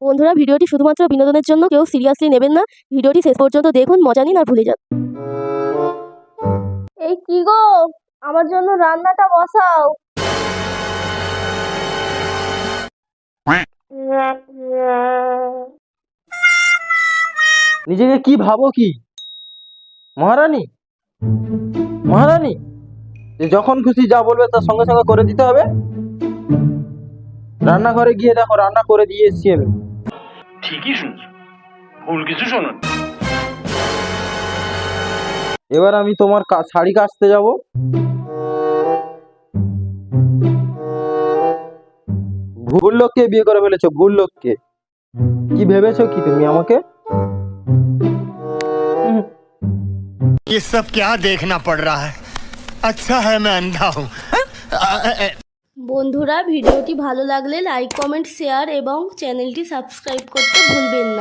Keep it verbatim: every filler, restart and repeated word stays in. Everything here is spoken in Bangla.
বন্ধুরা, ভিডিওটি শুধুমাত্র বিনোদনের জন্য, কেউ সিরিয়াসলি নেবেন না। ভিডিওটি শেষ পর্যন্ত দেখুন, মজা নিন আর ভুলে যান। এই কি গো, আমার জন্য রান্নাটা বসাও। নিজেকে কি ভাবো কি মহারানী? মহারানী যে যখন খুশি যা বলবে তার সঙ্গে সঙ্গে করে দিতে হবে। রান্নাঘরে গিয়ে দেখো, রান্না করে দিয়ে এসছি আমি। ঠিকই শুনছো, ভুল কিছু শোনো। এবার আমি তোমার কা- শাড়ি কাচতে যাব। ভুল লোককে বিয়ে করে ফেলেছো, ভুল লোককে। কি ভেবেছো কি তুমি আমাকে? ये सब क्या देखना पड़ रहा है? अच्छा है मैं अंधा हूँ। বন্ধুরা, ভিডিওটি ভালো লাগলে লাইক, কমেন্ট, শেয়ার এবং চ্যানেলটি সাবস্ক্রাইব করতে ভুলবেন না।